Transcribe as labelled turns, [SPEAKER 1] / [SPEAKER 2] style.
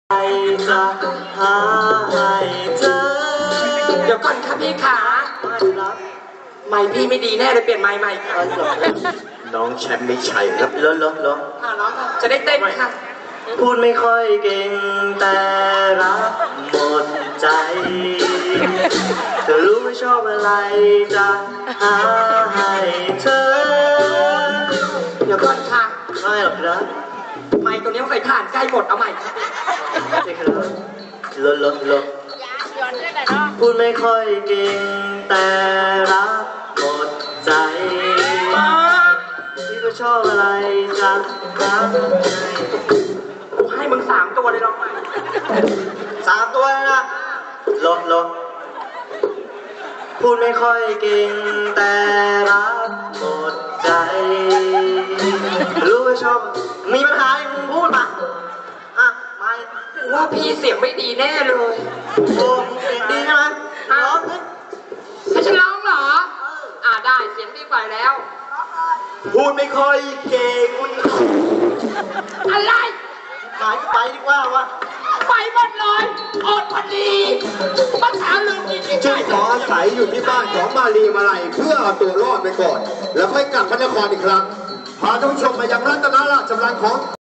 [SPEAKER 1] จะหาให้เจอ
[SPEAKER 2] เดี๋ยวก่อนค่ะพี่ขาไม่พี่ไม่ดีแน่เลยเปลี่ยนไม้ใหม่ค่ะ
[SPEAKER 1] น้องแชมป์ไม่ใช่ครับล้
[SPEAKER 2] น้องจะได้เต้นค่ะ
[SPEAKER 1] พูดไม่ค่อยเก่งแต่รักหมดใจเธอรู้ไม่ชอบอะไรจะหาให้เธอ
[SPEAKER 2] เดี๋ยวก่อนค่ะ
[SPEAKER 1] ไม่หรอกครับ
[SPEAKER 2] ไม้ตัวนี้ใส่ถ่านใกล้หมดเอาใหม่ค่ะ
[SPEAKER 1] ใช่ครับลดพูดไม่ค่อยเก่งแต่รักหมดใจที่ก็ชอบอะไรจะหา
[SPEAKER 2] กูให้มึง3 ตัวเลยลองใหม่
[SPEAKER 1] 3 ตัวนะลดพูดไม่ค่อยเก่งแต่รักหมดใจรู้ว่าชอบมีปัญหามึงพูดมาไม่
[SPEAKER 2] ว่าพี่เสียงไม่ดีแน่เลย
[SPEAKER 1] โอ้เสียงดีใช่ไหมร้อง
[SPEAKER 2] ให้ฉันร้องเหรอได้เสียงดีกว่าแล้ว
[SPEAKER 1] พูดไม่ค่อยเก่ง
[SPEAKER 2] อะไร
[SPEAKER 1] หายไปดีกว่าวะ
[SPEAKER 2] ไปหมดเลยอดพอดีภาษาลืมจริงๆ
[SPEAKER 3] จึงขออาศัยอยู่ที่บ้านของมาลีมาลัยเพื่อเอาตัวรอดไปก่อนแล้วค่อยกลับพระนครอีกครั้งพาท่านผู้ชมมายังรัตนราชบัลลังก์ของ